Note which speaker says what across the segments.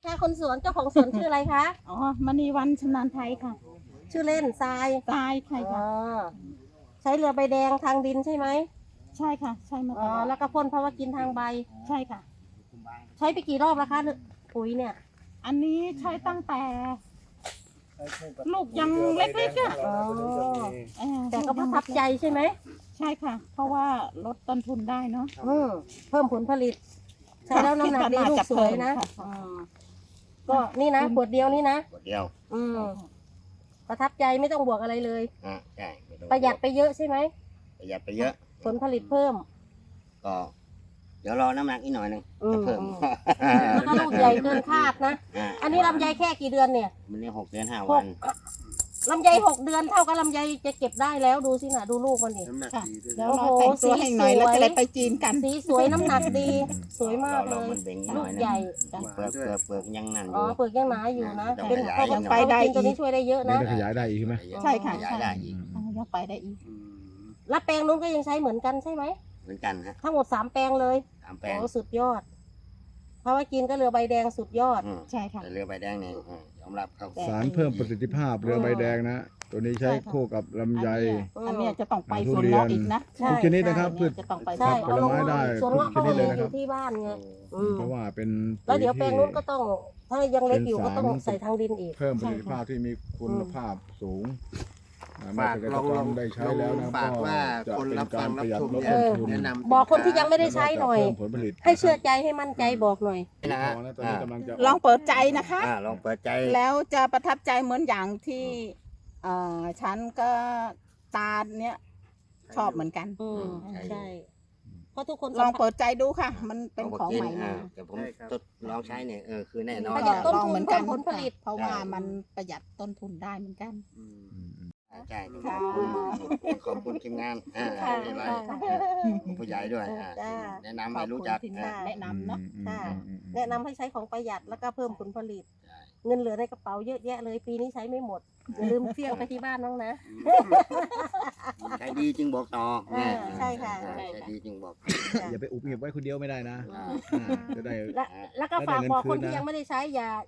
Speaker 1: ค่ะคนสวนเจ้าของสวนชื่ออะไรคะ
Speaker 2: อ๋อมณีวันชำนาญไทยค่ะ
Speaker 1: ชื่อเล่นทราย
Speaker 2: ตายใช่
Speaker 1: อ๋อ
Speaker 2: ค่ะ
Speaker 1: ใช้เรือใบแดงทางดินใช่ไหม
Speaker 2: ใช่ค่ะ ใช่มา
Speaker 1: อ๋
Speaker 2: ต
Speaker 1: อ
Speaker 2: ลอด
Speaker 1: แล้วก็พ่นเพราะว่ากินทางใบ
Speaker 2: ใช่ค่ะ
Speaker 1: ใช้ไปกี่รอบแล้วคะปุ๋ยเนี่ย
Speaker 2: อันนี้ใช้ตั้งแต่ลูกยังเล็กๆอ่ะ
Speaker 1: อ๋อ
Speaker 2: เ
Speaker 1: แต่ก็ประทับใจใช่ไหม
Speaker 2: ใช่ค่ะ เพราะว่าลดต้นทุนได้เนาะ
Speaker 1: เพิ่มผลผลิต ใช้แล้วน้ำหนักดีลูกสวยนะ
Speaker 2: ค่ะ
Speaker 1: ก็นี่นะขวดเดียวนี่นะ
Speaker 3: ขวดเดียว
Speaker 1: ประทับใจไม่ต้องบวกอะไรเลย
Speaker 3: ใช่ไม่ต้อง
Speaker 1: ประหยัดไปเยอะใช่ไหม
Speaker 3: ประหยัดไปเยอะ
Speaker 1: ผลผลิตเพิ่ม
Speaker 3: ก็ เดี๋ยวรอน้ำหนักอีกหน่อยหนึงจะเพิ่ม
Speaker 1: แล้วก็ลูกใหญ่เกินคาดนะ อันนี้ลำไยแค่กี่เดือนเนี่ย
Speaker 3: มันนี่6 เดือน 5 วัน
Speaker 1: ลำไย6 เดือนเท่ากับลำไยจะเก็บได้แล้วดูสินะดูลูกมันดิ
Speaker 4: น้ำหนัก
Speaker 2: ค่ะ
Speaker 4: ดีด้วย
Speaker 2: เดี๋ยว
Speaker 1: โอ้
Speaker 2: เรา
Speaker 1: โห
Speaker 2: แต่งตัวให้หน่อย
Speaker 1: สีสวย
Speaker 2: แล้วจะได้ไปจีนกัน
Speaker 1: สีสวยน้ำหนักดี สวยมากเล
Speaker 3: เรา
Speaker 1: ย
Speaker 3: มันเบ่งอีกห
Speaker 1: ลู
Speaker 3: น่อก ยหนึ
Speaker 1: ใหญ่
Speaker 3: งเปลือกยังนั่นอ
Speaker 1: อ๋อยู่ เปลือกยังหนาอยู่นะ
Speaker 3: ต้อง
Speaker 1: เป็น
Speaker 3: ขยาย
Speaker 1: ข้าว
Speaker 3: ยัง
Speaker 2: ไปได้
Speaker 1: กินตัวนี้ช่วยได้เยอะ
Speaker 5: เดี๋ยว
Speaker 1: นะ
Speaker 5: จะขยายได้อีกใช่ไหม
Speaker 2: ใช่ค่ะ
Speaker 3: ขยายได้อีก
Speaker 2: ยังไปได้อีก
Speaker 1: แล้วแปลงนู้นก็ยังใช้เหมือนกันใช่ไหม
Speaker 3: เหมือนกันฮะ
Speaker 1: ทั้งหมด3 แปลงเลย
Speaker 3: 3 แปลง
Speaker 1: โอ้สุดยอด เพราะว่ากินก็เรือใบแดงสุดยอด
Speaker 2: ใช่ค่ะ
Speaker 3: แต่เรือใบแดงนี่ยอมรับเขา
Speaker 5: สารเพิ่มประสิทธิภาพเรือใบแดงนะ ตัวนี้ใช้คู่กับลำไย
Speaker 2: อันเนี้ยจะต้องไป
Speaker 5: ทุ
Speaker 2: สวน
Speaker 5: เรียน
Speaker 2: เงาะอีกนะ
Speaker 1: ใช่
Speaker 5: ทุกชนิดนะครับพืช
Speaker 2: จะต้องไป
Speaker 1: ใช่
Speaker 5: ผลไม้ได้
Speaker 1: สวนว่า
Speaker 5: ทุ
Speaker 1: เขา
Speaker 5: กชนิดเลยนะ
Speaker 1: อ
Speaker 5: ครับ
Speaker 1: ยู่ที่บ้านไงอืม
Speaker 5: เพราะว่าเป็น
Speaker 1: แล้วเดี๋ยวแปลงนู้นก็ต้อง ถ้ายังเล็กอยู่
Speaker 5: เป็
Speaker 1: ก็
Speaker 5: นสาร
Speaker 1: ต้องใส่ทางดินอีก
Speaker 5: เพิ่มประสิทธิภาพที่มีคุณภาพสูงเมื่อ
Speaker 4: ฝาก
Speaker 5: เกษ
Speaker 4: ล
Speaker 5: ต
Speaker 4: อ
Speaker 5: รง กรได้ใช้แล้วนะ
Speaker 4: ฝากว่า
Speaker 5: จะ
Speaker 4: คน
Speaker 5: เป็น
Speaker 4: รับ
Speaker 5: กา
Speaker 4: ฟั
Speaker 5: รง ประหยัด
Speaker 4: รับชม
Speaker 5: ลด
Speaker 4: เนี่ย
Speaker 5: ต้นทุน
Speaker 4: แนะนำ
Speaker 1: บอกคนที่ยังไม่ได้ใช้หน่อย
Speaker 5: เพิ่มผลผลิต
Speaker 1: ให้เชื่อใจให้มั่นใจบอกหน่อย
Speaker 3: นะฮะ
Speaker 5: พอแล้วตอนนี้กำลังจะ
Speaker 2: ลองเปิดใจนะคะ
Speaker 3: ลองเปิดใจ
Speaker 2: แล้วจะประทับใจเหมือนอย่างที่ฉันก็ตาเนี้ยชอบเหมือนกัน
Speaker 1: ใช่ เพราะทุกคน
Speaker 2: ลองเปิดใจดูค่ะ มันเป็นของใหม่มา
Speaker 3: แต่ผมทดลองใช้เนี่ยคือแน่นอ
Speaker 1: ป
Speaker 3: น
Speaker 1: ระหยัดต้น
Speaker 2: ลอง
Speaker 1: ทุ
Speaker 2: เหมื
Speaker 1: น
Speaker 2: อนกั
Speaker 1: เพิ่
Speaker 2: น
Speaker 1: มผลผลิต
Speaker 2: เพราะว่ามันประหยัดต้นทุนได้เหมือนกัน
Speaker 3: ใช่
Speaker 2: ค่ะ
Speaker 3: ขอบคุณทีมงาน
Speaker 1: ค่ะ
Speaker 3: ที่ไลฟ์
Speaker 1: ค่ะ
Speaker 3: ผู้ใหญ่ด้วย
Speaker 1: จ้า
Speaker 3: แนะนำให้รู้จัก
Speaker 2: ขอบคุณที่แนะนำเนาะ
Speaker 1: ค่ะ แนะนำให้ใช้ของประหยัดแล้วก็เพิ่มผลผลิต เงินเหลือในกระเป๋าเยอะแยะเลยปีนี้ใช้ไม่หมด อย่าลืมเสี่ยงไปที่บ้านน้องนะ
Speaker 3: ใช้ดีจึงบอกต่อ
Speaker 1: ใช่ค่ะ
Speaker 3: ใช้ดีจึงบอก
Speaker 5: อย่าไปอุบเก็บไว้คนเดียวไม่ได้นะจะได้
Speaker 1: แล้วก็ฝากบอกคน
Speaker 5: ได้เงินคืนนะ
Speaker 1: ที่ยังไม่ได้ใช้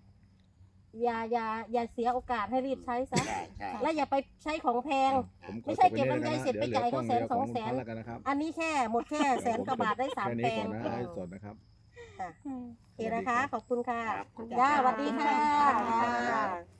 Speaker 1: อย่าเสียโอกาสให้รีบใช้ซะ
Speaker 3: ใช่ใช่
Speaker 1: และอย่าไปใช้ของแพง
Speaker 5: ผมขอ
Speaker 1: ไม่ใช่
Speaker 5: จบ
Speaker 1: เก็บ
Speaker 5: ไว้
Speaker 1: ลำไย
Speaker 5: นี่
Speaker 1: เสร็จไปจ่ายเขา100,000 200,000
Speaker 5: แล้วกันนะครับ
Speaker 1: อันนี้แค่หมดแค่100,000 กว่าบาทได้
Speaker 5: แค่
Speaker 1: 3
Speaker 5: นี้
Speaker 1: แปล
Speaker 5: ก่อง นนะให้สดนะครับ
Speaker 1: โอเคนะคะ ขอบคุณค่ะ
Speaker 3: ครับ
Speaker 1: จ้าสวัสดีค่ะ